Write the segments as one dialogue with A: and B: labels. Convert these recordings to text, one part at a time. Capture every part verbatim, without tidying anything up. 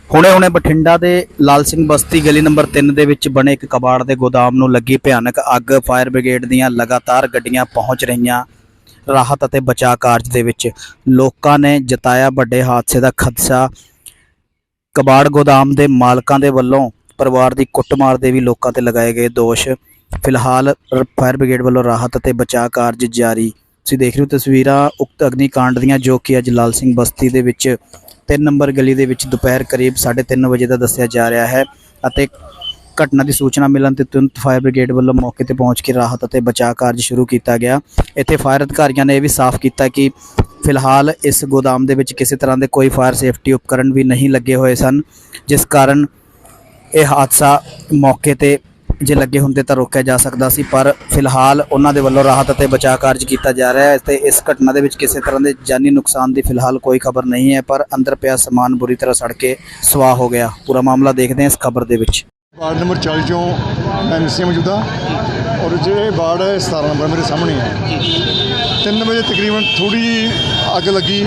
A: ਹੁਣੇ ਹੁਣੇ ਬਠਿੰਡਾ ਦੇ ਲਾਲ ਸਿੰਘ ਬਸਤੀ ਗਲੀ ਨੰਬਰ ਤਿੰਨ ਦੇ ਵਿੱਚ ਬਣੇ ਇੱਕ ਕਬਾੜ ਦੇ ਗੋਦਾਮ ਨੂੰ ਲੱਗੀ ਭਿਆਨਕ ਅੱਗ। ਫਾਇਰ ਬ੍ਰਿਗੇਡ ਦੀਆਂ ਲਗਾਤਾਰ ਗੱਡੀਆਂ ਪਹੁੰਚ ਰਹੀਆਂ ਰਾਹਤ ਅਤੇ ਬਚਾਅ ਕਾਰਜ ਦੇ ਵਿੱਚ। ਲੋਕਾਂ ਨੇ ਜਤਾਇਆ ਵੱਡੇ ਹਾਦਸੇ ਦਾ ਖਦਸ਼ਾ। ਕਬਾੜ ਗੋਦਾਮ ਦੇ ਮਾਲਕਾਂ ਦੇ ਵੱਲੋਂ ਪਰਿਵਾਰ ਦੀ ਕੁੱਟਮਾਰ ਦੇ ਵੀ ਲੋਕਾਂ ਤੇ ਲਗਾਏ ਗਏ ਦੋਸ਼। ਫਿਲਹਾਲ ਫਾਇਰ ਬ੍ਰਿਗੇਡ ਵੱਲੋਂ ਰਾਹਤ ਅਤੇ ਬਚਾਅ ਕਾਰਜ ਜਾਰੀ। ਤੁਸੀਂ ਦੇਖ ਰਹੇ ਹੋ ਤਸਵੀਰਾਂ ਉਕਤ ਅਗਨੀਕਾਂਡ ਦੀਆਂ, ਜੋ ਕਿ ਅੱਜ ਲਾਲ ਸਿੰਘ ਬਸਤੀ ਦੇ ਵਿੱਚ ਤਿੰਨ ਨੰਬਰ ਗਲੀ ਦੇ ਵਿੱਚ ਦੁਪਹਿਰ ਕਰੀਬ ਸਾਢੇ ਤਿੰਨ ਵਜੇ ਦਾ ਦੱਸਿਆ ਜਾ ਰਿਹਾ ਹੈ। ਅਤੇ ਘਟਨਾ ਦੀ ਸੂਚਨਾ ਮਿਲਣ ਤੇ ਤੁਰੰਤ ਫਾਇਰ ਬ੍ਰਿਗੇਡ ਵੱਲੋਂ ਮੌਕੇ ਤੇ ਪਹੁੰਚ ਕੇ ਰਾਹਤ ਅਤੇ ਬਚਾਅ ਕਾਰਜ ਸ਼ੁਰੂ ਕੀਤਾ ਗਿਆ। ਇੱਥੇ ਫਾਇਰ ਅਧਿਕਾਰੀਆਂ ਨੇ ਇਹ ਵੀ ਸਾਫ਼ ਕੀਤਾ ਕਿ ਫਿਲਹਾਲ ਇਸ ਗੋਦਾਮ ਦੇ ਵਿੱਚ ਕਿਸੇ ਤਰ੍ਹਾਂ ਦੇ ਕੋਈ ਫਾਇਰ ਸੇਫਟੀ ਉਪਕਰਨ ਵੀ ਨਹੀਂ ਲੱਗੇ ਹੋਏ ਸਨ, ਜਿਸ ਕਾਰਨ ਇਹ ਹਾਦਸਾ ਮੌਕੇ ਤੇ ਜੇ ਲੱਗੇ ਹੁੰਦੇ ਤਾਂ ਰੋਕਿਆ ਜਾ ਸਕਦਾ ਸੀ। ਪਰ ਫਿਲਹਾਲ ਉਹਨਾਂ ਦੇ ਵੱਲੋਂ ਰਾਹਤ ਅਤੇ ਬਚਾਅ ਕਾਰਜ ਕੀਤਾ ਜਾ ਰਿਹਾ ਹੈ ਤੇ ਇਸ ਘਟਨਾ ਦੇ ਵਿੱਚ ਕਿਸੇ ਤਰ੍ਹਾਂ ਦੇ ਜਾਨੀ ਨੁਕਸਾਨ ਦੀ ਫਿਲਹਾਲ ਕੋਈ ਖਬਰ ਨਹੀਂ ਹੈ, ਪਰ ਅੰਦਰ ਪਿਆ ਸਮਾਨ ਬੁਰੀ ਤਰ੍ਹਾਂ ਸੜ ਕੇ ਸੁਆਹ ਹੋ ਗਿਆ। ਪੂਰਾ ਮਾਮਲਾ ਦੇਖਦੇ ਹਾਂ ਇਸ ਖਬਰ ਦੇ ਵਿੱਚ।
B: ਵਾਰਡ ਨੰਬਰ ਚਾਲੀ ਚੋਂ ਐਮ ਸੀ ਮੌਜੂਦਾ ਔਰ ਜਿਹੜੇ ਵਾਰਡ ਹੈ ਸਤਾਰਾਂ ਨੰਬਰ ਮੇਰੇ ਸਾਹਮਣੇ ਹੈ। ਤਿੰਨ ਵਜੇ ਤਕਰੀਬਨ ਥੋੜ੍ਹੀ ਜਿਹੀ ਅੱਗ ਲੱਗੀ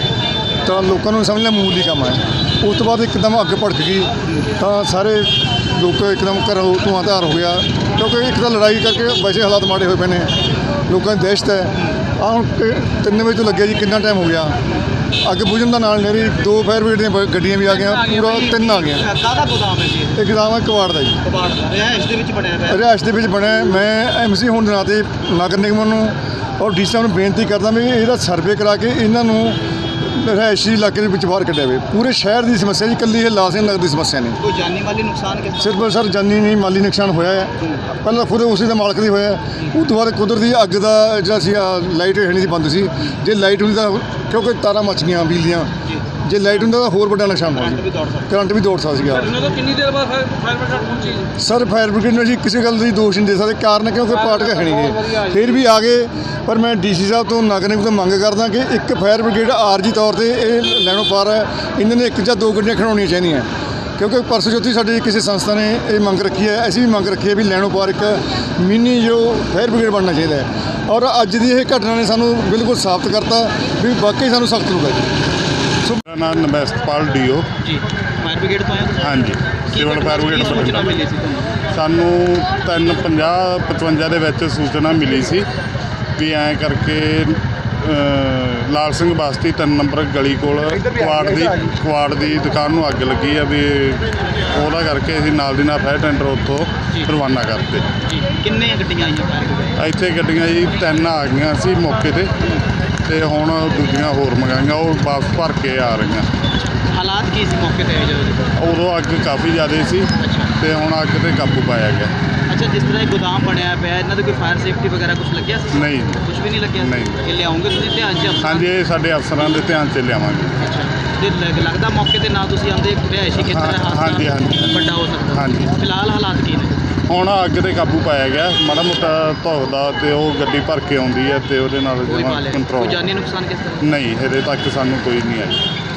B: ਤਾਂ ਲੋਕਾਂ ਨੂੰ ਸਮਝ ਲਿਆ ਮਾਮੂਲੀ ਕੰਮ ਹੈ। ਉਸ ਤੋਂ ਬਾਅਦ ਇੱਕਦਮ ਅੱਗ ਭੜਕ ਗਈ ਤਾਂ ਸਾਰੇ ਲੋਕ ਇੱਕਦਮ ਘਰੋਂ ਧੂੰਆਂ ਧਾਰ ਹੋ ਗਿਆ, ਕਿਉਂਕਿ ਇੱਕ ਤਾਂ ਲੜਾਈ ਕਰਕੇ ਵੈਸੇ ਹਾਲਾਤ ਮਾੜੇ ਹੋਏ ਪਏ ਨੇ, ਲੋਕਾਂ ਦੀ ਦਹਿਸ਼ਤ ਹੈ। ਆਹ ਹੁਣ ਤਿੰਨ ਵਜੇ ਤੋਂ ਲੱਗਿਆ ਜੀ, ਕਿੰਨਾ ਟਾਈਮ ਹੋ ਗਿਆ। ਅੱਗ ਬੁਝਣ ਦਾ ਨਾਲ ਮੇਰੀ ਦੋ ਫਾਇਰ ਬ੍ਰਿਗੇਡ ਦੀਆਂ ਗੱਡੀਆਂ ਵੀ ਆ ਗਈਆਂ, ਪੂਰਾ ਤਿੰਨ ਆ ਗਈਆਂ।
C: ਕਾਹਦਾ ਗੋਦਾਮ ਹੈ ਜੀ?
B: ਇਹ ਗੋਦਾਮ ਹੈ ਕਬਾੜ ਦਾ ਜੀ।
C: ਕਬਾੜ ਦਾ ਰਿਹਾਇਸ਼ ਦੇ ਵਿੱਚ ਬਣਿਆ ਹੋਇਆ?
B: ਰਿਹਾਇਸ਼ ਦੇ ਵਿੱਚ ਬਣਿਆ। ਮੈਂ ਐਮ ਸੀ ਹੋਣ ਦੇ ਨਾਤੇ ਨਗਰ ਨਿਗਮ ਨੂੰ ਔਰ ਡੀ ਸੀ ਸਾਹਿਬ ਨੂੰ ਬੇਨਤੀ ਕਰਦਾ ਵੀ ਇਹਦਾ ਸਰਵੇ ਕਰਾ ਕੇ ਇਹਨਾਂ ਨੂੰ ਰਿਹਾਇਸ਼ੀ ਇਲਾਕੇ ਦੇ ਵਿੱਚ ਬਾਹਰ ਕੱਢਿਆ ਜਾਵੇ। ਪੂਰੇ ਸ਼ਹਿਰ ਦੀ ਸਮੱਸਿਆ ਜੀ, ਇਕੱਲੀ ਇਹ ਲਾਲ ਸਿੰਘ ਨਗਰ ਦੀ ਸਮੱਸਿਆ ਨਹੀਂ।
C: ਕੋਈ ਜਾਨੀ ਮਾਲੀ ਨੁਕਸਾਨ ਕਿਸ?
B: ਸਿਰਫ ਸਰ ਜਾਨੀ ਨਹੀਂ, ਮਾਲੀ ਨੁਕਸਾਨ ਹੋਇਆ ਹੈ। ਪਹਿਲਾਂ ਖੁਦ ਉਸੇ ਦਾ ਮਾਲਕ ਦੀ ਹੋਇਆ, ਉਸ ਤੋਂ ਬਾਅਦ ਕੁਦਰਤੀ ਅੱਗ ਦਾ ਜਿਹੜਾ ਸੀ ਲਾਈਟ ਹੇਠ ਨਹੀਂ ਸੀ ਬੰਦ ਸੀ। ਜੇ ਲਾਈਟ ਹੁੰਦੀ ਤਾਂ ਕਿਉਂਕਿ ਤਾਰਾਂ ਮੱਚ ਗਈਆਂ ਬਿਜਲੀ ਦੀਆਂ, ਜੇ ਲਾਈਟ ਹੁੰਦਾ ਤਾਂ ਹੋਰ ਵੱਡਾ ਨੁਕਸਾਨ ਹੋਣਾ ਸੀ, ਕਰੰਟ ਵੀ ਦੌੜ ਸਕਦਾ ਸੀਗਾ।
C: ਕਿੰਨੀ ਦੇਰ ਬਾਅਦ ਫਾਇਰ ਬ੍ਰਿਗੇਡ ਪਹੁੰਚੀ?
B: ਸਰ ਫਾਇਰ ਬ੍ਰਿਗੇਡ ਨੂੰ ਅਸੀਂ ਕਿਸੇ ਗੱਲ ਦੀ ਦੋਸ਼ ਨਹੀਂ ਦੇ ਸਕਦੇ, ਕਾਰਨ ਕਿਉਂਕਿ ਪਾਰਟ ਕੇ ਹੈ ਨਹੀਂ ਗਏ, ਫਿਰ ਵੀ ਆ ਗਏ। ਪਰ ਮੈਂ ਡੀ ਸੀ ਸਾਹਿਬ ਤੋਂ ਨਗਰ ਨਿਗਮ ਤੋਂ ਮੰਗ ਕਰਦਾ ਕਿ ਇੱਕ ਫਾਇਰ ਬ੍ਰਿਗੇਡ ਆਰਜੀ ਤੌਰ ਤੇ ਇਹ ਲੈਣੋਂ ਪਾਰ ਹੈ, ਇਹਨਾਂ ਨੇ ਇੱਕ ਜਾਂ ਦੋ ਗੱਡੀਆਂ ਖੜਾਉਣੀਆਂ ਚਾਹੀਦੀਆਂ, ਕਿਉਂਕਿ ਪਰਸੋਂ ਚੌਥੀ ਸਾਡੀ ਕਿਸੇ ਸੰਸਥਾ ਨੇ ਇਹ ਮੰਗ ਰੱਖੀ ਹੈ, ਅਸੀਂ ਵੀ ਮੰਗ ਰੱਖੀ ਹੈ ਵੀ ਲੈਣੋਂ ਪਾਰ ਇੱਕ ਮਿੰਨੀ ਜੋ ਫਾਇਰ ਬ੍ਰਿਗੇਡ ਬਣਨਾ ਚਾਹੀਦਾ ਹੈ। ਔਰ ਅੱਜ ਦੀ ਇਹ ਘਟਨਾ ਨੇ ਸਾਨੂੰ ਬਿਲਕੁਲ ਸਾਬਤ ਕਰਤਾ ਵੀ ਵਾਕਈ ਸਾਨੂੰ ਸਖਤ ਹੋਊਗਾ ਜੀ।
D: ਮੇਰਾ ਨਾਮ ਨਮਸਤਪਾਲ ਡੀ ਓ
C: ਜੀ, ਫਾਇਰ ਬ੍ਰਿਗੇਡ ਤੋਂ ਆਏ ਹੋ?
D: ਹਾਂਜੀ, ਸਿਵਲ ਫਾਇਰ ਬ੍ਰਿਗੇਡ
C: ਸੂਚਨਾ ਮਿਲੀ ਸੀ ਤੁਹਾਨੂੰ?
D: ਸਾਨੂੰ ਤਿੰਨ ਪੰਜਾਹ ਪਚਵੰਜਾ ਦੇ ਵਿੱਚ ਸੂਚਨਾ ਮਿਲੀ ਸੀ ਵੀ ਐਂ ਕਰਕੇ ਲਾਲ ਸਿੰਘ ਬਸਤੀ ਤਿੰਨ ਨੰਬਰ ਗਲੀ ਕੋਲ ਕੁਆੜ ਦੀ ਕੁਆੜ ਦੀ ਦੁਕਾਨ ਨੂੰ ਅੱਗ ਲੱਗੀ ਆ ਵੀ ਉਹਦਾ ਕਰਕੇ ਅਸੀਂ ਨਾਲ ਦੀ ਨਾਲ ਫਾਇਰ ਟੈਂਡਰ ਉੱਥੋਂ ਰਵਾਨਾ ਕਰਤੇ
C: ਜੀ। ਕਿੰਨੇ ਗੱਡੀਆਂ ਆਈਆਂ ਫਾਇਰ ਬ੍ਰਿਗੇਡ?
D: ਇੱਥੇ ਗੱਡੀਆਂ ਜੀ ਤਿੰਨ ਆ ਗਈਆਂ ਸੀ ਮੌਕੇ ਤੇ, ਤੇ ਹੁਣ ਦੂਜੀਆਂ ਹੋਰ ਮੰਗਾਈਆਂ, ਉਹ ਵਾਪਸ ਭਰ ਕੇ ਆ ਰਹੀਆਂ।
C: ਹਾਲਾਤ ਕੀ ਸੀ ਮੌਕੇ ਤੇ ਜਦੋਂ?
D: ਉਦੋਂ ਅੱਗ ਕਾਫੀ ਜ਼ਿਆਦਾ ਸੀ ਤੇ ਹੁਣ ਅੱਗ ਤੇ ਕਾਬੂ ਪਾਇਆ ਗਿਆ।
C: ਅੱਛਾ, ਜਿਸ ਤਰ੍ਹਾਂ ਇਹ ਗੋਦਾਮ ਬਣਿਆ ਪਿਆ, ਇਹਨਾਂ ਦੇ ਕੋਈ ਫਾਇਰ ਸੇਫਟੀ ਵਗੈਰਾ ਕੁਝ ਲੱਗਿਆ ਸੀ?
D: ਨਹੀਂ,
C: ਕੁਝ ਵੀ ਨਹੀਂ ਲੱਗਿਆ?
D: ਨਹੀਂ।
C: ਇਹ ਲਿਆਉਂਗੇ ਤੁਸੀਂ ਧਿਆਨ 'ਚ?
D: ਹਾਂਜੀ, ਇਹ ਸਾਡੇ ਅਫਸਰਾਂ ਦੇ ਧਿਆਨ 'ਚ ਲਿਆਵਾਂਗੇ।
C: ਅੱਛਾ, ਤੇ ਲੱਗ- ਲੱਗਦਾ ਮੌਕੇ ਤੇ ਨਾ ਤੁਸੀਂ ਆਉਂਦੇ ਰਿਹਾਇਸ਼ੀ ਖੇਤਰ ਹੈ,
D: ਹਾਂ, ਹਾਂਜੀ, ਹਾਂਜੀ।
C: ਵੱਡਾ ਹੋ ਸਕਦਾ।
D: ਹਾਂਜੀ।
C: ਫਿਲਹਾਲ ਹਾਲਾਤ ਕੀ ਨੇ?
D: ਹੁਣ ਅੱਗ ਤੇ ਕਾਬੂ ਪਾਇਆ ਗਿਆ, ਮਾੜਾ ਮੋਟਾ ਧੁਖਦਾ ਤੇ ਉਹ ਗੱਡੀ ਭਰ ਕੇ ਆਉਂਦੀ ਹੈ ਤੇ ਉਹਦੇ ਨਾਲ
C: ਕੋਈ ਮਾਲ ਹੈ?
D: ਕੰਟਰੋਲ।
C: ਕੋਈ ਜਾਨੀ ਨੁਕਸਾਨ ਕਿਸ ਤਰ੍ਹਾਂ?
D: ਨਹੀਂ, ਹਜੇ ਤੱਕ ਸਾਨੂੰ ਕੋਈ ਨਹੀਂ ਆਇਆ।